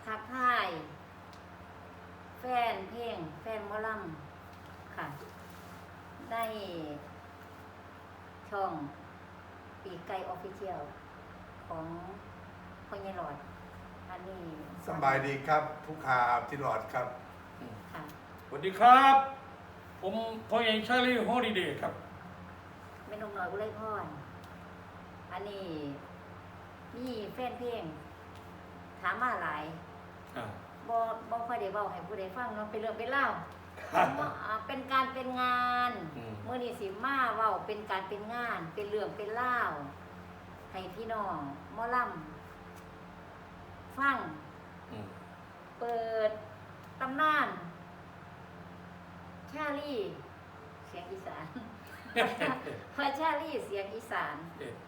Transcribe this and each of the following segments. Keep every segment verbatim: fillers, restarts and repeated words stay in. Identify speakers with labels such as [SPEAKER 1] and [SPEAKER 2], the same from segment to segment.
[SPEAKER 1] ทักทายแฟนเพลงแฟนหมอลำค่ะได้ช่องปีกไก่ออฟฟิเชียลของพ่อใหญ่หลอดอันนี้
[SPEAKER 2] สบายดีครับผู้ข่าวที่หลอดครับ
[SPEAKER 1] ค่ะ
[SPEAKER 3] สวัสดีครับผมพ่อใหญ่ชาลีฮอลิเดย์ครับ
[SPEAKER 1] แม่นงน้อยกุไลพรอันนี้นี่แฟนเพลงถามมาหลายบ่บ่ค่อยได้เว้าให้ผู้ใดฟังเนาะเป็นเรื่องเป็นเล่าวเป็นการเป็นงานเมื่อนี้สิมาเว้าเป็นการเป็นงานเป็นเรื่องเป็นเล่าวให้พี่น้องหมอลำฟังเปิดตำนานชาลีเสียงอีสานพระชาลีเสียงอีสาน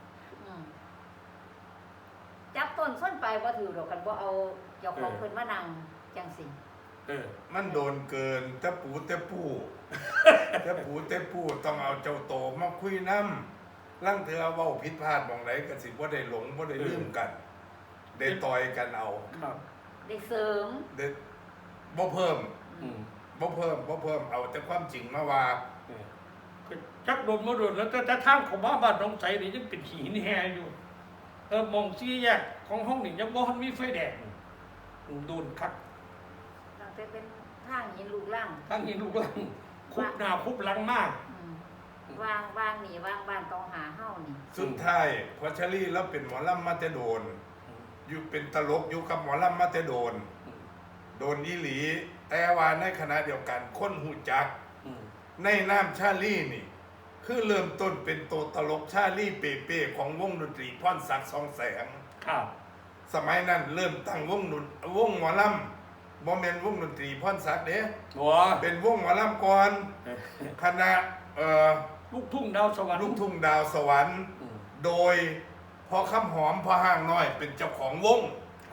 [SPEAKER 1] จับต้นส้นปลายบ่ถือดอกกันบ่เอาเจ้าของเพิ่นมานั่งจังสิ
[SPEAKER 2] มันโดนเกินตะปูตะปูตะปูตะปูต้องเอาเจ้าโตมาคุยน้ำลังเธอเว้าผิดพลาดมองไหนก็สิบ่ได้หลงบ่ได้ลืมกันได้ต่อยกันเอา
[SPEAKER 1] ได้เสริม
[SPEAKER 2] ได้บ่เพิ่มบ่เพิ่มบ่เพิ่มเอาแต่ความจริงมาว่า
[SPEAKER 3] จักโดนมาโดนแล้วแต่ทางของบ้านบ้านน้องใสนี่ยังเป็นหินแห่อยู่เออมองซี่แยกของห้องนี่ยังบ่ทันมีไฟแดงโดนคัก
[SPEAKER 1] ตั้งแต่เป็นทางหินลูกลัง
[SPEAKER 3] ทางหินลูกลังคุบหน้าคุบหลังมาก
[SPEAKER 1] วางวางนี่วางบ้านต้องหาเฮ้านี่
[SPEAKER 2] สุดท้ายพอชลีแล้วเป็นหมอลำมาแต่โดนอยู่เป็นตลกอยู่กับหมอลำมาแต่โดนโดนอีหลีแต่ว่าในขณะเดียวกันคนหูจักในน้ำชาลีนี่คือเริ่มต้นเป็นตัวตลกชาลีเป้เป้ของวงดนตรีพรศักดิ์สองแสง
[SPEAKER 3] ครับ
[SPEAKER 2] สมัยนั้นเริ่มตั้งวงดนวงหมอลำบ่แม่นวงดนตรีพรศักดิ์เด้เป็นวงหมอลำก่อนคณะเอ่อ
[SPEAKER 3] ลูกทุ่งดาวสวรรค์
[SPEAKER 2] ลูกทุ่งดาวสวรรค์โดยพอคำหอมพอห้างน้อยเป็นเจ้าของวง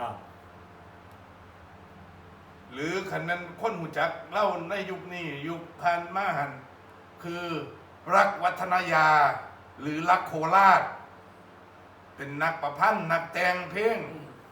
[SPEAKER 2] หรือคันนั้นคนหูจักเล่าในยุคนี้ยุคพันมาหันคือรักวัฒนยาหรือรักโคราชเป็นนักประพันธ์นักแต่งเพลง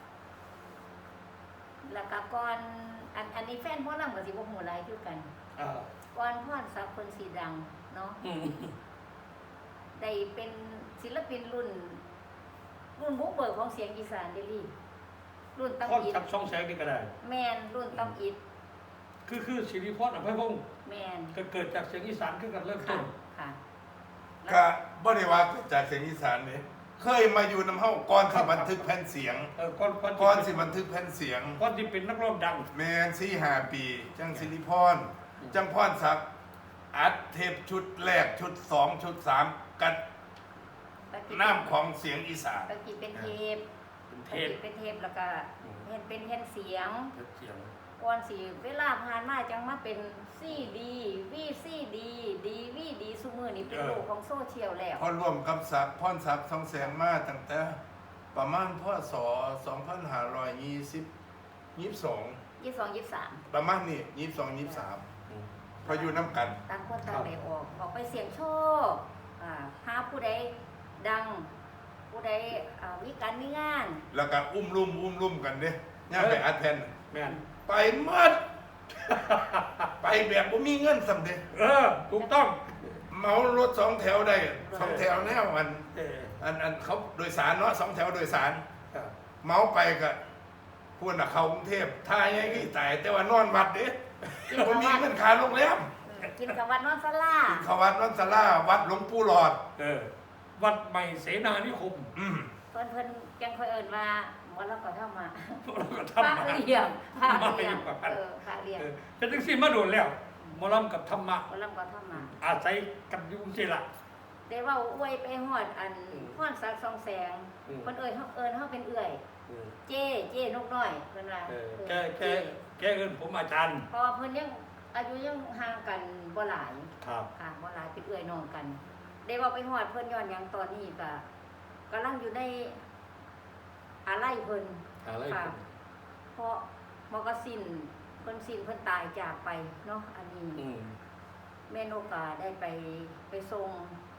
[SPEAKER 1] แล้วก็ก่อนอันอันนี้แฟนพ่อลำกับสิบหัวไรคือกันก่อนพ่อสับคนสีดังเนาะได้เป็นศิลปินรุ่นรุ่นบุกเบิกของเสียงอีสานเดลี่รุ่นตั้งอิ
[SPEAKER 3] ฐช่องแสงนี่ก็ได้
[SPEAKER 1] แมนรุ่นตั้งอิฐ
[SPEAKER 3] คือคือสิริพรอภัยพงศ์
[SPEAKER 1] แมน
[SPEAKER 3] ก็เกิดจากเสียงอีสานขึ้นกันเริ่มต้น
[SPEAKER 1] ค่ะ
[SPEAKER 2] ก็บ่ได้ว่าเกิดจากเสียงอีสานนี่เคยมาอยู่น้ำเฮาก่อนที่บันทึกแผ่นเสียง
[SPEAKER 3] เออก่อน
[SPEAKER 2] ก่อนสิบันทึกแผ่นเสียง
[SPEAKER 3] ก่อนที่เป็นนักร้องดัง
[SPEAKER 2] แมนสี่ห้าปีจังสิริพรจังพรศักดิ์อัดเทปชุดแรกชุดสองชุดสามกันน้ำของเสียงอีสาน
[SPEAKER 1] ตะกี้เป็นเทปเป็นเทปเป็นเทปแล้วก็เห็นเป็นแผ่นเสียงก่อนสิเวลาผ่านมาจังมาเป็นซีดีวีซีดีดีวีดีซุมื้อนี้เป็นโลกของโซเชียลแล้ว
[SPEAKER 2] พอร่วมกับศักดิ์พรศักดิ์สองแสงมาตั้งแต่ประมาณพ.ศ. สองพันห้าร้อยยี่สิบ ยี่สิบสอง
[SPEAKER 1] ยี่สิบสอง ยี่สิบสาม
[SPEAKER 2] ประมาณนี้ยี่สิบสอง ยี่สิบสามพออยู่น้ำกัน
[SPEAKER 1] ต่างคนต่างได้ออกออกไปเสี่ยงโชคอ่าหาผู้ใดดังผู้ใดมีการมีงาน
[SPEAKER 2] แล้วก็อุ้มลุ่มอุ้มลุ่มกันเด้ย่าไปอัดแผ่น
[SPEAKER 3] แม่น
[SPEAKER 2] ไปหมดไปแบบบ่มีเงินสำเร็จ
[SPEAKER 3] เออถูกต้อง
[SPEAKER 2] เมารถสองแถวได้สองแถวแนวอันอันอันเขาโดยสารเนาะสองแถวโดยสารเมาไปก็พวกน่ะเข้ากรุงเทพท่าใหญ่กี่ตายแต่ว่านอนวัดเด้บ่มีเงินค่าโรงแรม
[SPEAKER 1] กินกับวัดนอนศาลา
[SPEAKER 2] กินกับวัดนอนศาลาวัดหลวงปู่หลอด
[SPEAKER 3] เออวัดใหม่เสนานิคม
[SPEAKER 2] อืม
[SPEAKER 1] เพิ่นเพิ่นจังค่อยเอิ้นว่าหมอลำก็ทำมา
[SPEAKER 3] พระ
[SPEAKER 1] เลี้ยงพระเลี้ยงเออพระเลี้ยง
[SPEAKER 3] เป็นจังซี่มาโดนแล้วหมอลำกับธรรมะ
[SPEAKER 1] หมอลำก็ทำมา
[SPEAKER 3] อาศัยกันอยู่จังซี่ล่ะ
[SPEAKER 1] ได้เว้าอวยไปฮอดอันพรศักดิ์สองแสงเพิ่นเอิ้นเฮาเอิ้นเฮาเป็นเอื้อยเจ้เจ้นกน้อยเพิ่นว่า
[SPEAKER 3] แกแกแกเอิ้นผมอาจารย์
[SPEAKER 1] เพราะว่าเพิ่นยังอายุยังห่างกันบ่หลาย
[SPEAKER 3] ครับ
[SPEAKER 1] ค่ะบ่หลายเป็นเอื้อยน้องกันได้เว้าไปฮอดเพิ่นย้อนหยังตอนนี้ก็กำลังอยู่ในอาลัยเพิ่นค่ะเพราะมอกสินเพิ่นสิ้นเพิ่นตายจากไปเนาะอันนี้แม่นกก็ได้ไปไปส่ง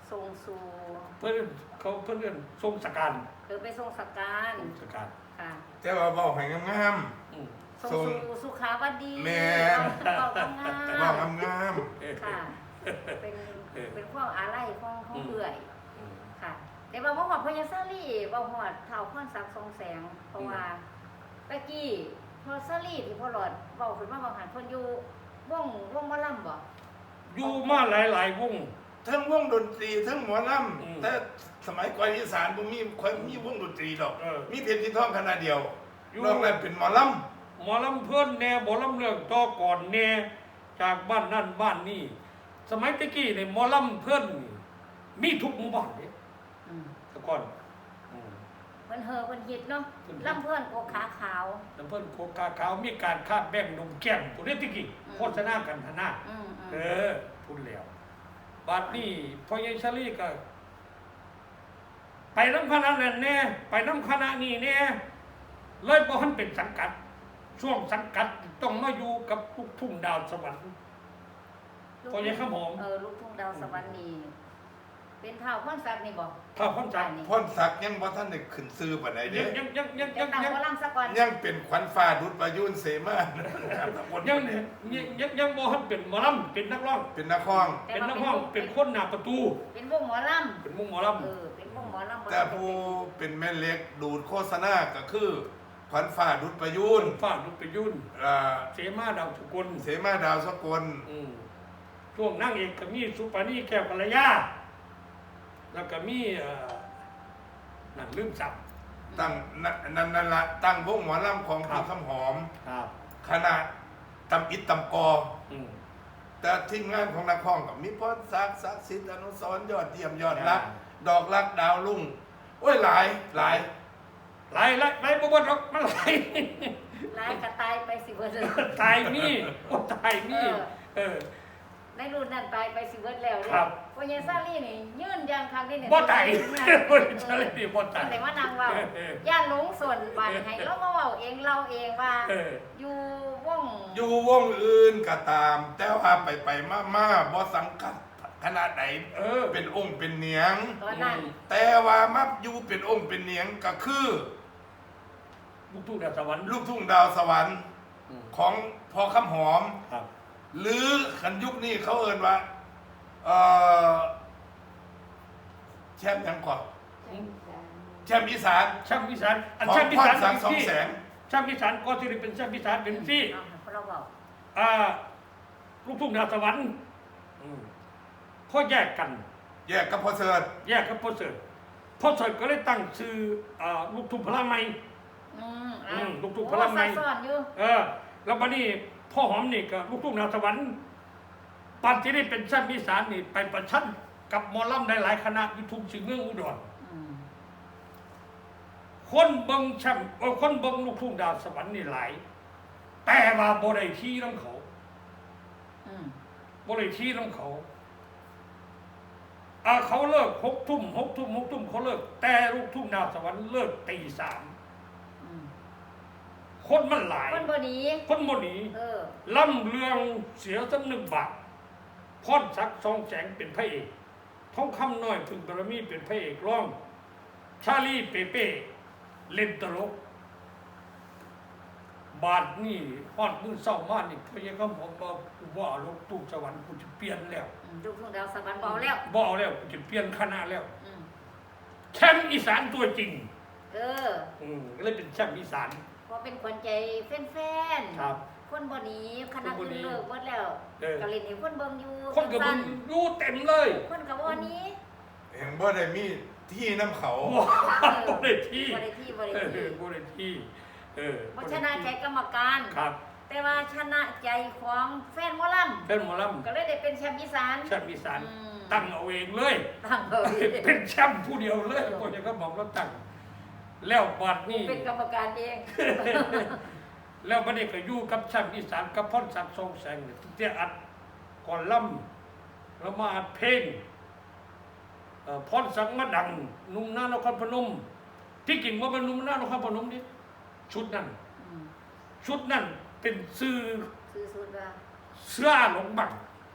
[SPEAKER 1] ทรงสู่
[SPEAKER 3] เพื่อนเขาเพื่อนเรียนทรงสการ
[SPEAKER 1] เออไปทรงสักการ
[SPEAKER 3] ทรงสการ
[SPEAKER 1] ค่ะ
[SPEAKER 2] แต่ว่าเว้าให้งาม
[SPEAKER 3] อืม
[SPEAKER 1] ทรง
[SPEAKER 2] ทรง
[SPEAKER 1] สู่สุขาวดี
[SPEAKER 2] แม่น
[SPEAKER 1] เว้าคำงา
[SPEAKER 2] ๆเว้าม งาม
[SPEAKER 1] ค่ะ เป็นเป็นความอาลัยของของเอื่อย
[SPEAKER 3] อืม
[SPEAKER 1] ค่ะ แต่ว่าบ่ฮอดพญาซาลีบ่ฮอดเฒ่าพรศักดิ์ทรงแสง เพราะว่าตะกี้พอซาลีที่พ่อหลอดเว้าขึ้นมาว่าหันเพิ่นอยู่วงวงหมอลำบ่
[SPEAKER 3] อยู่มาหลายๆวง
[SPEAKER 2] ๆทั้งวงดนตรีทั้งหมอล
[SPEAKER 3] อืม
[SPEAKER 2] ำแต่สมัยก่อนอีสานบ่มีค่อยมีวงดนตรีดอก
[SPEAKER 3] เออ
[SPEAKER 2] มีเพชรที่ท้องคณะเดียว
[SPEAKER 3] อยู่
[SPEAKER 2] นอกนั้นเป็นหมอล
[SPEAKER 3] หมอลำเพื่อนแน่หมอลำเรื่องต่อก่อนแน่จากบ้านนั่นบ้านนี่สมัยตะกี้เนี่ยหมอลำเพื่อนนี่มีทุกหมู่บ้านเนี่ย
[SPEAKER 1] อืม
[SPEAKER 3] แต่ก่อนอืม
[SPEAKER 1] เพิ่นเฮอเพิ่นฮิตเนาะ
[SPEAKER 3] เพิ่นฮิต
[SPEAKER 1] ลำเพิ่นโกขาขาว
[SPEAKER 3] แล้วเพื่อนโคกาขาวมีการคาบแบ่งนมแก้มตัวนี้ตะกี้
[SPEAKER 1] อืม
[SPEAKER 3] โฆษณากันทนา
[SPEAKER 1] อืมอืม
[SPEAKER 3] เออพูดแล้วบาดนี้พอยายชาลีก็ ไปน้ำคณะนั้นแน่ไปน้ำคณะนี้แน่เลยบ่ทันเป็นสังกัด ช่วงสังกัดต้องมาอยู่กับลูกทุ่งดาวสวรรค์ พอยายข้าวหอม
[SPEAKER 1] เออลูกทุ่งดาวสวรรค์นี่เป็นเท้าพรศักดิ์นี่บ่
[SPEAKER 3] ถ้าพ้นจาก
[SPEAKER 1] นี่
[SPEAKER 2] ำพ่นศักดิ์ยังบ่ทันได้ขึ้นซื้อปานใด
[SPEAKER 3] ยั
[SPEAKER 2] เด้
[SPEAKER 3] งยังยังยัง
[SPEAKER 1] ยั
[SPEAKER 3] ยัง ง
[SPEAKER 1] ตั้ง
[SPEAKER 3] ยัง
[SPEAKER 1] หมอลำซะก่อน
[SPEAKER 2] ยังเป็นขวัญฟ้าดุจประยุนเสมานะครับตำบล
[SPEAKER 3] ยัง
[SPEAKER 2] เนี่ย
[SPEAKER 3] ยังยังยังบ่ทันเป็นหมอลำเป็นนักร้อง
[SPEAKER 2] เป็นนักร้อง
[SPEAKER 3] เป็นนักร้องเป็นคนหน้าประตู
[SPEAKER 1] เป็นวงหมอล
[SPEAKER 3] เป็นมุงหมอล
[SPEAKER 1] ำเออเป็นวงหมอลำบ่
[SPEAKER 2] แต่ผู้เป็นแม่เล็กดูดโฆษณาก็คือขวัญฟ้าดุจประยุน
[SPEAKER 3] ำฟ้าลุกไปยุ่น
[SPEAKER 2] อ่า
[SPEAKER 3] เสมาดาวสุกล
[SPEAKER 2] เสมาดาวสกล
[SPEAKER 3] อืมช่วงนั่งเอกก็มีสุปานีแก้วกัลยาแล้วก็มีเอ่อนั่นลืมสับ
[SPEAKER 2] ตั้งนั่นนั่นนั่นละตั้งวงหมอลำของ
[SPEAKER 3] ครั
[SPEAKER 2] พี่
[SPEAKER 3] บ
[SPEAKER 2] คำหอม
[SPEAKER 3] ครับ
[SPEAKER 2] คณะตำอิดตำกอ
[SPEAKER 3] อืม
[SPEAKER 2] แต่ทีมงานของนักร้องกับมีพรศักดิ์ศักดิ์สิทธิ์อนุสรณ์ยอดเยี่ยมยอดรัก ดอกรักดาวรุ่งโอ้ยหลายหลาย
[SPEAKER 3] ไล่ไล่ไล่บ่บ่หรอกมันไล่
[SPEAKER 1] ลายกระตายไปสิเบิดเลย
[SPEAKER 3] ตายมีโอ้ตายมีเออ
[SPEAKER 1] ในรุ่นนั้นตายไปสิเบิดแล้วเนี่ย
[SPEAKER 3] ครับ
[SPEAKER 1] พญาซาลีนี่ยืนยันครั้งที่หนึ่ง
[SPEAKER 3] บ่ตาย
[SPEAKER 1] เนี่ย
[SPEAKER 3] บ่ตายนี่บ่ตาย
[SPEAKER 1] แต่ว่านางเว่า
[SPEAKER 3] เออเออ
[SPEAKER 1] ย่านหลงส่วนบันให้เรามาเว้าเองเราเองว่า
[SPEAKER 3] เออ
[SPEAKER 1] อยู่วง
[SPEAKER 2] อยู่วงอื่นก็ตาม แต่ว่าไปไปมามาบ่สังกัดขนาดไหน
[SPEAKER 3] เออ
[SPEAKER 2] เป็นองค์เป็นเหนียง
[SPEAKER 1] ตอนนั้น
[SPEAKER 2] แต่ว่ามาอยู่เป็นองค์เป็นเหนียงก็คือ
[SPEAKER 3] ลูกทุ่งดาวสวรรค์
[SPEAKER 2] ลูกทุ่งดาวสวรรค์
[SPEAKER 3] อืม
[SPEAKER 2] ของพอคำหอม
[SPEAKER 3] ครับ
[SPEAKER 2] หรือขันยุคนี้เขาเอ่นว่าเอ่อแชมป์ยังก่อนแชมป์อีสาน
[SPEAKER 3] ช่างพิสารอัน
[SPEAKER 2] ของ
[SPEAKER 3] ช่างพิ
[SPEAKER 2] พ
[SPEAKER 3] สาร ร
[SPEAKER 2] สังสอง
[SPEAKER 3] ที่
[SPEAKER 2] แสง
[SPEAKER 3] ช่างพิสารก็ที่เป็นช่างพิสารเป็นที่
[SPEAKER 1] เอาให้เราบอก
[SPEAKER 3] อ่าลูกทุ่งดาวสวรรค์อืมพอแยกกัน
[SPEAKER 2] แยกกับพอเสิร์ต
[SPEAKER 3] แยกกับพ่อเสิร์ตพ่อเสิร์ตก็เลยตั้งชื่ออ่าลูกทุ่งพลังใหม่
[SPEAKER 1] อืม
[SPEAKER 3] อืมลูกทุ่ง
[SPEAKER 1] โอ้
[SPEAKER 3] พลังใน
[SPEAKER 1] ซับซ้อนอยู่
[SPEAKER 3] เออ แล้วบัดนี้พ่อหอมนี่ก็ลูกทุ่งดาวสวรรค์ปันที่ได้เป็นช่างพิสารนี่ไปประชันกับหมอลำได้หลายคณะอยุทุกสิ่งเมืองอุดร
[SPEAKER 1] อืม
[SPEAKER 3] คนเบิงช่างเออคนเบิงลูกทุ่งดาวสวรรค์นี่หลาย แต่ว่าบ่ได้ที่น้ำเขา
[SPEAKER 1] อืม
[SPEAKER 3] บ่ได้ที่น้ำเขาอ่าเขาเลิกหกทุ่มหกทุ่มหกทุ่มเขาเลิก แต่ลูกทุ่งดาวสวรรค์เลิกตีสาม
[SPEAKER 1] อืม
[SPEAKER 3] คนมันหลาย
[SPEAKER 1] คนบ่หนี
[SPEAKER 3] คนบ่หนี
[SPEAKER 1] เออ
[SPEAKER 3] ล่ำเรืองเสียสำนึกบาทพรศักดิ์ทองแสงเป็นพระเอกทองคำน้อยพึงบารมีเป็นพระเอกร้อง ชาลีเปเป้เล่นตลก บาทนี่ฮอดมือเศร้ามากนี่พยายามผมบอกว่าลูกตู้สวรรค์กูจะเปลี่ยนแล้ว
[SPEAKER 1] อืมลูกทุ่งดาวสวรรค์บอกแล้ว
[SPEAKER 3] บอกแล้วกูจะเปลี่ยนคณะแล้ว
[SPEAKER 1] อืม
[SPEAKER 3] แชมป์อีสานตัวจริง
[SPEAKER 1] เออ
[SPEAKER 3] อืมก็เลยเป็นแชมป์อีสาน
[SPEAKER 1] พอเป็นคนใจแฟนๆ
[SPEAKER 3] ครับ
[SPEAKER 1] คนบ่หนีคณะ
[SPEAKER 3] คนบ่
[SPEAKER 1] อื่น
[SPEAKER 3] หนี
[SPEAKER 1] เลิกหมดแล้ว
[SPEAKER 3] เออ
[SPEAKER 1] ก็เล่นให้คนเบิ่งอยู่
[SPEAKER 3] คนกับมึงรู้เต็มเลย
[SPEAKER 1] คนกับบ่หนี้
[SPEAKER 2] เห็นบ่ได้มีที่น้ำเขา
[SPEAKER 3] บ่บ่ได้ที่
[SPEAKER 1] บ่ได้ที่บ่ได้
[SPEAKER 3] เออ
[SPEAKER 1] ที่
[SPEAKER 3] บ่ได้ที่เออ
[SPEAKER 1] บ่ชนะใจกรรมการ
[SPEAKER 3] ครับ
[SPEAKER 1] แต่ว่าชนะใจของแฟนหมอล
[SPEAKER 3] เป็นหมอล
[SPEAKER 1] ำก็เลยได้เป็นแชมป์อีสาน
[SPEAKER 3] ำแชมป์อีสาน
[SPEAKER 1] อืม
[SPEAKER 3] ตั้งเอาเองเลย
[SPEAKER 1] ตั้งเลย
[SPEAKER 3] เป็นแชมป์ผู้เดียวเลยพวกนี้ก็บอกแล้วตั้ง แล้วบัดนี้
[SPEAKER 1] เป็นกรรมการเอง
[SPEAKER 3] แล้วบัดนี้ก็อยู่กับแชมป์อีสานกับพรศักดิ์ทรงแสงเนี่ยที่จะอัดก่อนล่ำแล้วมาอัดเพลงเอ่อพรศักดิ์มาดังหนุ่มหน้านครพนม ที่จริงว่าเป็นหนุ่มหน้านครพนมนี่ชุดนั้น
[SPEAKER 1] อืม
[SPEAKER 3] ชุดนั้นเป็นซื้อ
[SPEAKER 1] ซื้อสุดว่า
[SPEAKER 3] เสื้อหลงบัง
[SPEAKER 1] ส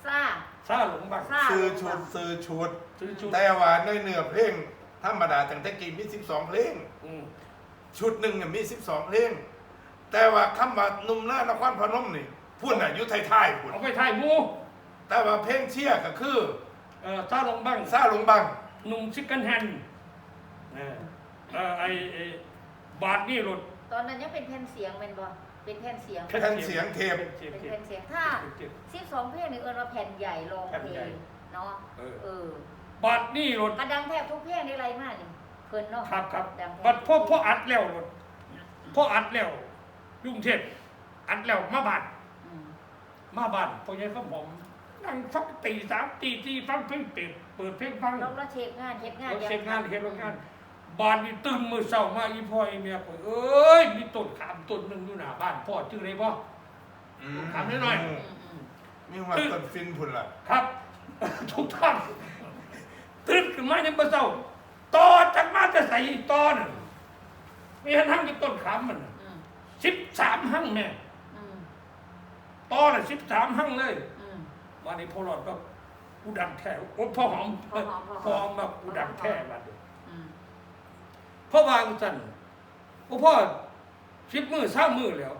[SPEAKER 1] ซ่า
[SPEAKER 3] ซาหลงบัง
[SPEAKER 1] ซ่า
[SPEAKER 2] ซื้อชุดซื้อชุด
[SPEAKER 3] ซื้อชุด
[SPEAKER 2] แต่ว่าในเนื้อเพลงธรรมดาตั้งแต่กี้มีสิบสองเพลง
[SPEAKER 3] อืม
[SPEAKER 2] ชุดหนึ่งเนี่ยมีสิบสองเพลงแต่ว่าคำว่าหนุ่มหน้านครพนมนี่พูดน่ะอยู่ท้ายๆพูด
[SPEAKER 3] เอาไปถ่ายหมู
[SPEAKER 2] แต่ว่าเพลงเชียร์ก็คือ
[SPEAKER 3] เอ่อซาหลงบัง
[SPEAKER 2] ซาลงบัง
[SPEAKER 3] หนุ่มซิกเกิลแฮนด์เออเอ่อไอไอ้บาทนี่รถ
[SPEAKER 1] ตอนนั้นยังเป็นแผ่นเสียงเป็นบ่เป็นแผ่นเสียง
[SPEAKER 2] แผ่นเสียงเทป
[SPEAKER 3] เสียง
[SPEAKER 1] เป็น
[SPEAKER 3] เทป
[SPEAKER 1] แผ่นเสียงถ้าสิบสองเพลงนี่เอิ้นว่าแผ่นใหญ่รอง
[SPEAKER 3] แผ่น
[SPEAKER 1] เพล
[SPEAKER 3] ใหญ่
[SPEAKER 1] งเนาะ
[SPEAKER 3] เออ
[SPEAKER 1] เออ
[SPEAKER 3] บาทนี่รถ
[SPEAKER 1] กระดังแทบทุกเพลงนี่ไรมากนี่เพิ่นเนาะ
[SPEAKER 3] ครับครับ
[SPEAKER 1] ดังแทบ
[SPEAKER 3] บัดพ่อพ่ออัดแล้วรถพ่ออัดแล้วยุ่งเทพอัดแล้วมาบาท
[SPEAKER 1] อืม
[SPEAKER 3] มาบ้านพอยังเขาผมนั่งฟังตีสามตีที่ฟังเพลงเปิดเปิดเพลงฟัง
[SPEAKER 1] เราเราเช็คงานเช็คงาน
[SPEAKER 3] เราเช็คงานเฮ็ดงานบ้านนี่ตื่นมือเช้ามาอีพ่ออีเมียก็เอ้ยมีต้นขามต้นหนึงอยู่หน้าบ้านพ่อชื่ออะไรบ่
[SPEAKER 2] อืม
[SPEAKER 3] ถามหน่อย
[SPEAKER 1] อืมอืม
[SPEAKER 2] มีว่าต้นฟินพุ่นล่ะ
[SPEAKER 3] ครับ ทุกท่านตื่นขึ้นมาในมื้อเช้าต่อจากมาจะใส่ต่อนั่นมีหันหั่งอยู่ต้นขามมัน
[SPEAKER 1] อืม
[SPEAKER 3] สิบสามหั่งแม่
[SPEAKER 1] อืม
[SPEAKER 3] ต่อน่ะสิบสามหั่งเลย
[SPEAKER 1] อืม
[SPEAKER 3] วันนี้พ่อหลอดก็กูดังแท้โอ้พ่อหอม
[SPEAKER 1] พ่อหอมพ่อหอม
[SPEAKER 3] พ่อหอมแบบกูดังแท้บัดนี้
[SPEAKER 1] อืม
[SPEAKER 3] พ่อวางจันโอ้พ่อสิบมือสามมือแล้ว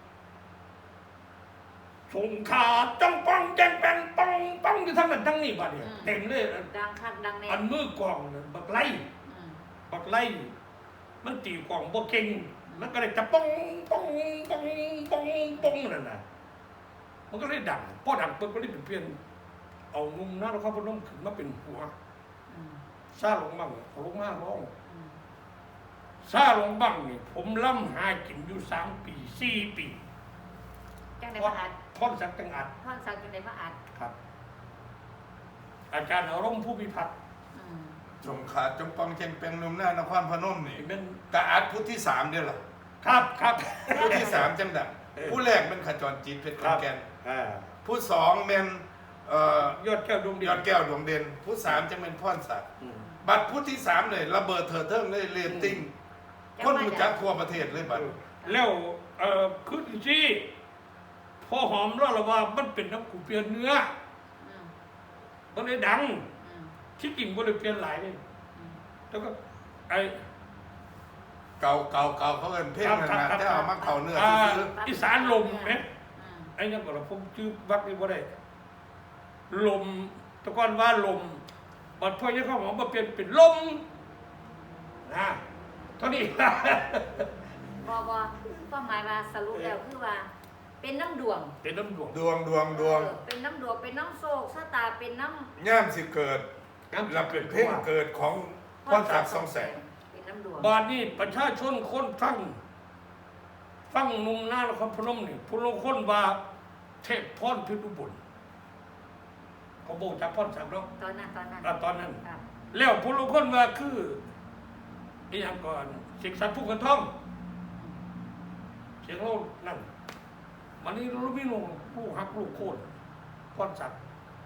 [SPEAKER 3] สงขาจังปังแจงแปงปังปังอยู่ทั้งนั้นทั้งนี้บัดนี้เต็มเลย
[SPEAKER 1] ดังคักดังแน่
[SPEAKER 3] อันมือกล่องเนี่ยบักไล่
[SPEAKER 1] อืม
[SPEAKER 3] บักไล่มันตีกล่องบ่เก่งมันก็เลยจะป้องป้องป้องป้องป้องนั่นน่ะมันก็เลยดังพอดังปุ๊บก็เลยเปลี่ยนเอานุ่มหน้าแล้วเขาพนมขึ้นมาเป็นหัว
[SPEAKER 1] อืม
[SPEAKER 3] ซาลงบังลงมาร้อง
[SPEAKER 1] อืม
[SPEAKER 3] ซาลงบังนี่ผมล่ำหากินอยู่สามปีสี่ปี
[SPEAKER 1] จังได้มาอัด
[SPEAKER 3] ท่อนสักจังอัด
[SPEAKER 1] ท่อนสักจังได้มาอัด
[SPEAKER 3] ครับ อาจารย์อารมณ์ผู้พิพัฒน์
[SPEAKER 1] อืม
[SPEAKER 2] จงขาดจงปังเจงเป็นหนุ่มหน้านครพนมนี่
[SPEAKER 3] เป็น
[SPEAKER 2] กะอัดพุทธที่สามเดียวล่ะ
[SPEAKER 3] ครับครับ
[SPEAKER 2] ผู้ที่สามจังดัง
[SPEAKER 3] เออ
[SPEAKER 2] ผู้แรกเป็นขจรจิตเพชรขอนแก่น
[SPEAKER 3] อ่า
[SPEAKER 2] ผู้สองเป็นเอ่อย
[SPEAKER 3] อดแก้วดวงเดี
[SPEAKER 2] ย
[SPEAKER 3] ยว
[SPEAKER 2] อดแก้วดวงเด่นผู้สามจะเป็นพ่อนสัตว์
[SPEAKER 3] อืม
[SPEAKER 2] บัตรผู้ที่สามเลยระเบิดเถิดเทิงเลยเรตติ้งคนรู้จักทั่วประเทศเลยบัตร
[SPEAKER 3] แล้วเอ่อคือที่พอหอมแล้วละว่ามันเป็นน้ำกูเปลี่ยนเนื้อ
[SPEAKER 1] อืม
[SPEAKER 3] มันเลยดัง
[SPEAKER 1] อืม
[SPEAKER 3] ที่จริงก็เลยเปลี่ยนหลายเลย
[SPEAKER 1] อืม
[SPEAKER 3] แล้วก็ไอ้
[SPEAKER 2] เก่าเก่าเก่าเขาเอินเพลงนั่นนะแต่เอามาเข่าเนื้อ
[SPEAKER 3] อ่า
[SPEAKER 2] ซื้อ
[SPEAKER 3] อีสานลมไหม
[SPEAKER 1] อืม
[SPEAKER 3] ไอ้ยังก็เราผมชื่อวักนี่ว่าได้ลมแตะก้อนว่าลมบัดพ่อยังเข้าหอมมาเปลี่ยนเป็นลมนะเท่านี้
[SPEAKER 1] บอบอความหมายว่าสรุปแล้วคือว่า เป็นน้ำดวง
[SPEAKER 3] เป็นน้ำดวง
[SPEAKER 2] ดวงดวงดวง
[SPEAKER 1] เออเป็นน้ำดวงเป็นน้ำโศกชะตาเป็นน้ำ
[SPEAKER 2] ย่ามสิเกิดเราเป็นเพลงเกิดของพ่อนสักดิ์สองแสง
[SPEAKER 1] เป็นน้ำดวง
[SPEAKER 3] บาดนี้ประชาชนคนฟัง ฟังนุ่มหน้านครพนมนี่ผู้ลงคนว่าเทพพรพิรุบุญเขาบอกจากพรสักดิ์เนาะ
[SPEAKER 1] ตอนนั้นตอนนั้น
[SPEAKER 3] อ่ะตอนนั้น
[SPEAKER 1] ครับ
[SPEAKER 3] แล้วผู้ลงคนว่าคืออีหยังก่อนสิกสันผู้กันท่องเสียงเรานั่นมันนี่รู้ไม่ลงผู้หักลูกโค่นพรสักดิ์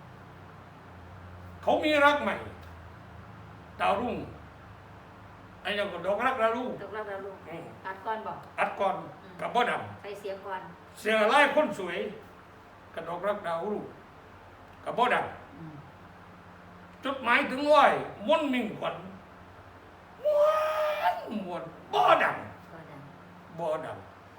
[SPEAKER 3] เขามีรักใหม่ดาวรุ่งไอ้ยังก็ดอกรักดาวรุ่ง
[SPEAKER 1] ตกแล้วเราลูก
[SPEAKER 3] อืม
[SPEAKER 1] อัดก่อนบอก
[SPEAKER 3] อัดก่อนกับบ่ด
[SPEAKER 1] ใส่เสียงก่อน
[SPEAKER 3] ำเสียไล่คนสวยกระดอกรักดาวรุ่งกับบ่ด
[SPEAKER 1] อืม
[SPEAKER 3] ำจดหมายถึงร้อยมนต์มิ่งขวัญม้วนม้วนบ่ด
[SPEAKER 1] ก็ดัง
[SPEAKER 3] ำบ่ด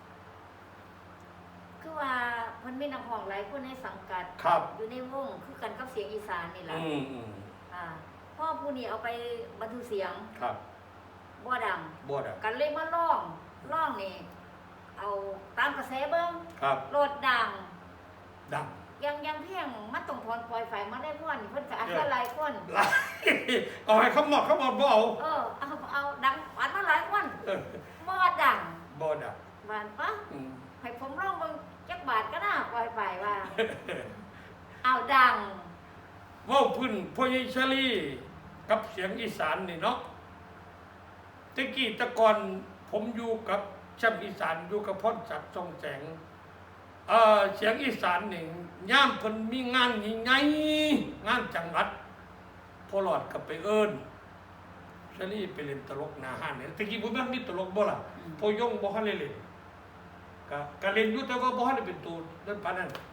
[SPEAKER 1] คือว่ามันไม่นักห้องหลายคนในสังกัด
[SPEAKER 3] ครับ
[SPEAKER 1] อยู่ในวงคือกันกับเสียงอีสานนี่
[SPEAKER 3] ำ
[SPEAKER 1] แหละ
[SPEAKER 3] อืมอืม
[SPEAKER 1] อ่าพ่อผู้นี้เอาไปบันทึกเสียง
[SPEAKER 3] ครับ
[SPEAKER 1] บ่ดัง
[SPEAKER 3] บ่ด
[SPEAKER 1] กันเลยมาร้องร้องนี่เอาตามกระแสเบิ้ง
[SPEAKER 3] ำครับ
[SPEAKER 1] โลดดัง
[SPEAKER 3] ดัง
[SPEAKER 1] ยังยังเพียงมันต้องถอนปล่อยไฟมาได้พ่อนเพิ่นก็อัดมาหลายคน
[SPEAKER 3] หลายเอาให้เขาหมดเขาหมดบ่เอา
[SPEAKER 1] เออเอาเอาดังอัดมาหลายคน
[SPEAKER 3] เออ
[SPEAKER 1] บ่ดัง
[SPEAKER 3] บ่ด
[SPEAKER 1] บานปะ
[SPEAKER 3] ำอืม
[SPEAKER 1] ให้ผมร้องเบิ่งจักบาทก็น่าปล่อยไฟว่า เอาดัง
[SPEAKER 3] เว่าพื้นพ่อใหญ่ชลีกับเสียงอีสานนี่เนาะตะกี้แตะก่อนผมอยู่กับช่ำอีสานอยู่กับพ่อศักดิ์ทรงแสงเอ่อเสียงอีสานนี่ย่ามเพิ่นมีงานใหญ่ๆงานจังหวัดพอหลอดกับไปเอิ้นชลีไปเล่นตลกหน้าห้านเนี่ยตะกี้บ่แม่นมีตลกบ่ล่ะพอยงบ่ทันได้เล่นก็ก็เล่นอยู่แต่ว่าบ่ทันได้เป็นตัวนั่นปานนั้น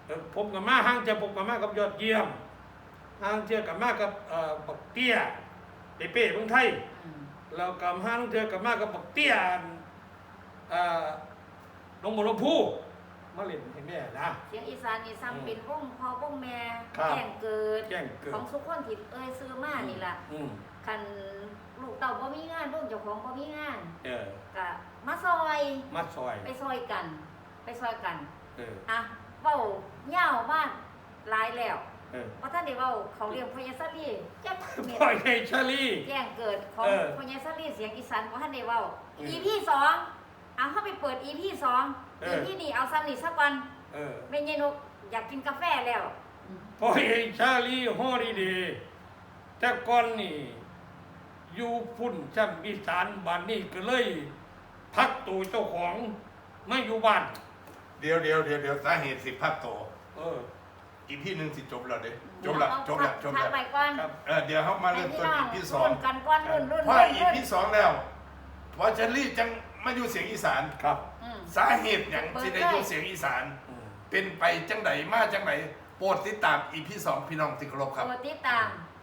[SPEAKER 3] เออผมกับมาห้างเจอผมกับมากับยอดเยี่ยมห้างเจอกับมากับเอ่อบักเตี้ยเปเป้เมืองไทย
[SPEAKER 1] อืม
[SPEAKER 3] แล้วกับห้างเจอกับมากับบักเตี้ยเอ่อลงบนลงพูมาเล่นให้แม่นะ
[SPEAKER 1] เสียงอีสานนี่ซ้ำเป็นวงพ่อวงแม่
[SPEAKER 3] ครับ
[SPEAKER 1] แจ้งเกิด
[SPEAKER 3] แจ้งเกิด
[SPEAKER 1] ของสุขคนที่เอ้ยซื้อมานี่ล่ะ
[SPEAKER 3] อืม
[SPEAKER 1] คันลูกเต่าบ่มีงานลูกเจ้าของบ่มีงาน
[SPEAKER 3] เออ
[SPEAKER 1] ก็มาซอย
[SPEAKER 3] มาซอย
[SPEAKER 1] ไปซอยกัน ไปซอยกัน
[SPEAKER 3] เออ
[SPEAKER 1] อ่ะเว้าเหย้าบ้านหลายแล้ว
[SPEAKER 3] เออ
[SPEAKER 1] ว่าท่านได้เว้าเขาเรียกพญาซาลีจักเม็ด
[SPEAKER 3] พ่อใหญ่ชาลี
[SPEAKER 1] แจ้งเกิดของ
[SPEAKER 3] เออ
[SPEAKER 1] พญาซาลีเสียงอีสานบ่ท่านได้เว้า
[SPEAKER 3] อืม
[SPEAKER 1] อี พี สองเอาเข้าไปเปิด อี พี สอง
[SPEAKER 3] เอ
[SPEAKER 1] อี
[SPEAKER 3] อ
[SPEAKER 1] พีนี่เอาซ้ำนี่สักวัน
[SPEAKER 3] เออ
[SPEAKER 1] แม่ยายนกอยากกินกาแฟแล้ว
[SPEAKER 3] พ่อใหญ่ชาลีฮอดีเดย์แต่ก่อนนี่อยู่พุ่นจำอีสานบ้านนี่ก็เลยพักตัวเจ้าของไม่อยู่บ้าน
[SPEAKER 2] เดี๋ยวเดี๋ยวเดี๋ยวเดี๋ยวสาเหตุสิพักโต
[SPEAKER 3] เออ
[SPEAKER 2] อีพี่หนึ่งสิจบแล้วเด้จบละ
[SPEAKER 1] เอา
[SPEAKER 2] จบละจบ
[SPEAKER 1] พัก
[SPEAKER 2] ละ
[SPEAKER 1] ไปก่อน
[SPEAKER 3] ครับ
[SPEAKER 2] เออเดี๋ยวเขามาเริ่มต้นอีพี่สอง
[SPEAKER 1] รุ่นกันก่อนรุ่นรุ่น
[SPEAKER 2] พอ
[SPEAKER 1] รุ่น
[SPEAKER 2] อี
[SPEAKER 1] รุ่น
[SPEAKER 2] พี่สองแล้วพอเชอรี่จังมาอยู่เสียงอีสาน
[SPEAKER 3] ครับ
[SPEAKER 1] อืม
[SPEAKER 2] สาเหตุอย่างที่ได้อยู่เสียงอีสาน
[SPEAKER 3] อืม
[SPEAKER 2] เป็นไปจังไหนมาจังไหนโปรดติดตามอีพี่สองพี่น้องที่เคารพครับ
[SPEAKER 1] โปรดติดตาม